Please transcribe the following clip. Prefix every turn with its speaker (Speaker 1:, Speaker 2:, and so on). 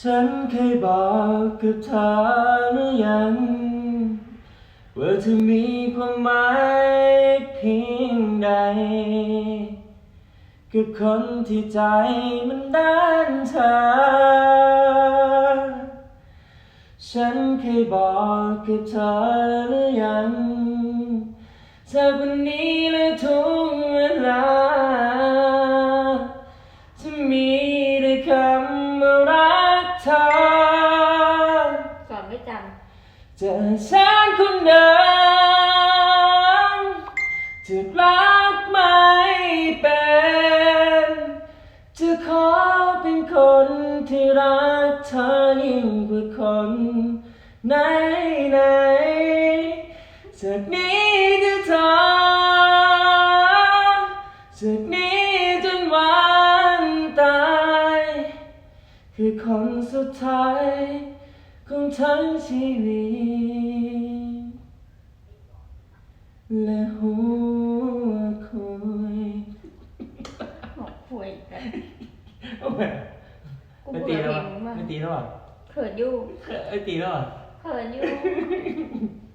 Speaker 1: ฉันเคยบอกกับเธอหรือยังว่าเธอมีความหมายเพียงใดกับคนที่ใจมันด้านเธอฉันเคยบอกกับเธอหรือยังเธอคนนี้และทุกเวลาจะมีแต่คำว่ารักเธอ
Speaker 2: สอนไม่จ
Speaker 1: จะฉันคนเดิมจะรักไม่เป็นจะขอเป็นคนที่รักเธอยิ่งกว่าคนไหนไหนจากนี้จะเธอจากนี้จนวันตายคือคนสุดท้ายของทั้งชีวิตและหัวคุย
Speaker 2: ำบอกป่วยกัน
Speaker 1: โอ้ย
Speaker 2: กู
Speaker 1: ไม่
Speaker 2: เบื่
Speaker 1: ตี
Speaker 2: อ
Speaker 1: แล้ว
Speaker 2: เพล
Speaker 1: อ่ะ
Speaker 2: งมึงมาก
Speaker 1: ไม่ตีแล้วอ่ะ
Speaker 2: เขินอยู่
Speaker 1: ไม่ตีแล้วอ่ะ
Speaker 2: เขินอยู่